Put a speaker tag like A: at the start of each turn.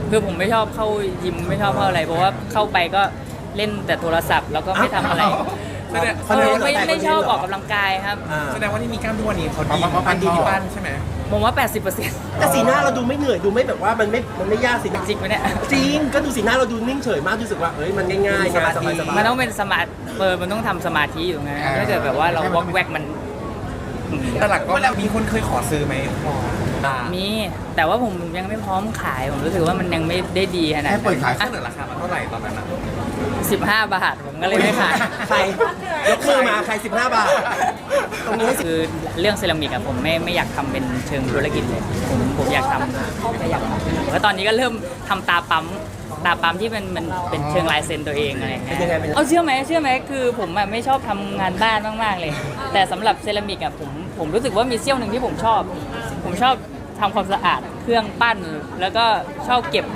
A: คือผมไม่ชอบเข้ายิมไม่ชอบเข้าอะไรเพราะว่าเข้าไปก็เล่นแต่โทรศัพท์แล้วก็ไม่ทำอะไรไม่ชอบออกกำลังกายครับ
B: แสดงว่าที่มีกล้ามทุกวันนี้เขาดีปั้นดีที่ปั้นใช่ไหม
A: ผมว่า 80%
C: แต่สีหน้าเราดูไม่เหนื่อยดูไม่แบบว่ามันไม่ยากสิ
A: จริงไหมเนี่ย
C: จริงก็ดูสีหน้าเราดูนิ่งเฉยมากรู้สึกว่าเอ้ยมันง่ายๆสบายๆ
A: มันต้องเป็นสมาธิมันต้องทำสมาธิอยู่ไงถ้าเกิดแบบว่าเราวอกแวกมัน
B: แต่หลักก็มีคนเคยขอซื้อไหม
A: มีแต่ว่าผมยังไม่พร้อมขายผมรู้สึกว่ามันยังไม่ได้ดีขนาดนั้น
D: แค่เปิดขาย
B: เสนอราคามันเท่าไหร่ตอนนั้นนะ
A: 15 บาทผมก็เลยไม่ขาย
C: ใครยกมือมาใคร15 บาทตรงนี้
A: คือเรื่องเซรามิกอะผมไม่อยากทำเป็นเชิงธุรกิจเลยผมอยากทำแค่อยากทำแล้วตอนนี้ก็เริ่มทำตาปั๊มที่มันเป็นเชิงลายเซ็นตัวเองอะไรเงี้ยเอาเชื่อไหมคือผมอะไม่ชอบทำงานบ้านมากๆเลยแต่สำหรับเซรามิกอะผมรู้สึกว่ามีเสี้ยวหนึ่งที่ผมชอบทำความสะอาดเครื่องปั้นแล้วก็ชอบเก็บ